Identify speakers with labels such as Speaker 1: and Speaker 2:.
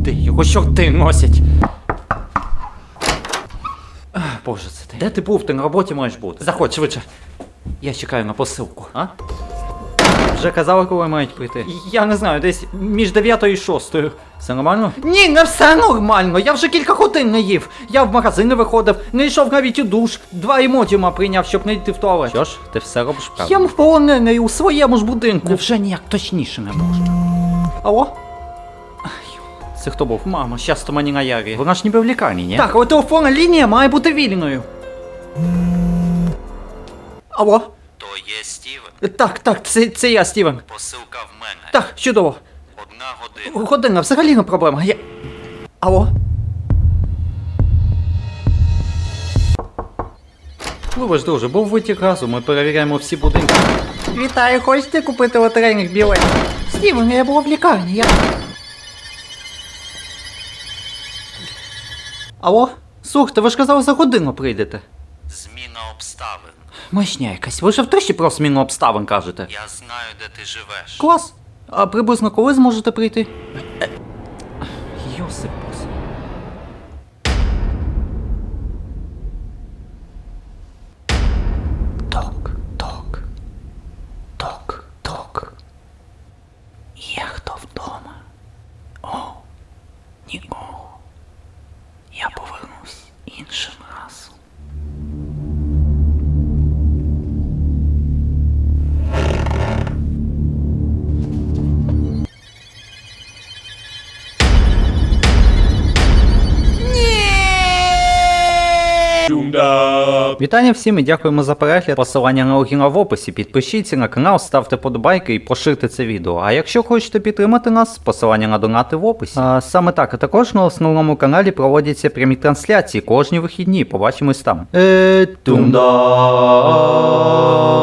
Speaker 1: Де його чорти носять? Боже, це ти. Де ти був? Ти на роботі маєш бути. Заходь швидше. Я чекаю на посилку. А? Вже казали, коли мають прийти? Я не знаю, десь між 9 і 6. Все нормально? Ні, не все нормально. Я вже кілька годин не їв. Я в магазин не виходив, не йшов навіть у душ. 2 емодіума прийняв, щоб не йти в туалет. Що ж, ти все робиш правильно. Я полонений у своєму ж будинку. Невже ніяк точніше не можу. Алло? Це хто був? Мама, щас мені наяві. Вона ж ніби в лікарні, ні? Так, але телефонна лінія має бути вільною. Алло?
Speaker 2: То є Стівен?
Speaker 1: Так, це я, Стівен.
Speaker 2: Посилка в мене.
Speaker 1: Так, чудово.
Speaker 2: 1 година.
Speaker 1: Година, взагалі не проблема. Алло? Вибач, друже, був витік газу, ми перевіряємо всі будинки. Вітаю, хочете купити лотерейних білетів? Стівен, я була в лікарні, Алло? Слухайте, ви ж казали, за годину прийдете.
Speaker 2: Зміна обставин.
Speaker 1: Мишня якась, ви ж втричі про зміну обставин кажете.
Speaker 2: Я знаю, де ти живеш.
Speaker 1: Клас. А приблизно коли зможете прийти? Йосипус. Ток. Є хто вдома? О, нікого. Я повернусь іншим разом. Вітання всім і дякуємо за перегляд. Посилання на логіна в описі. Підпишіться на канал, ставте подобайки і поширте це відео. А якщо хочете підтримати нас, посилання на донати в описі. Саме так, а також на основному каналі проводяться прямі трансляції кожні вихідні. Побачимось там. Тумда.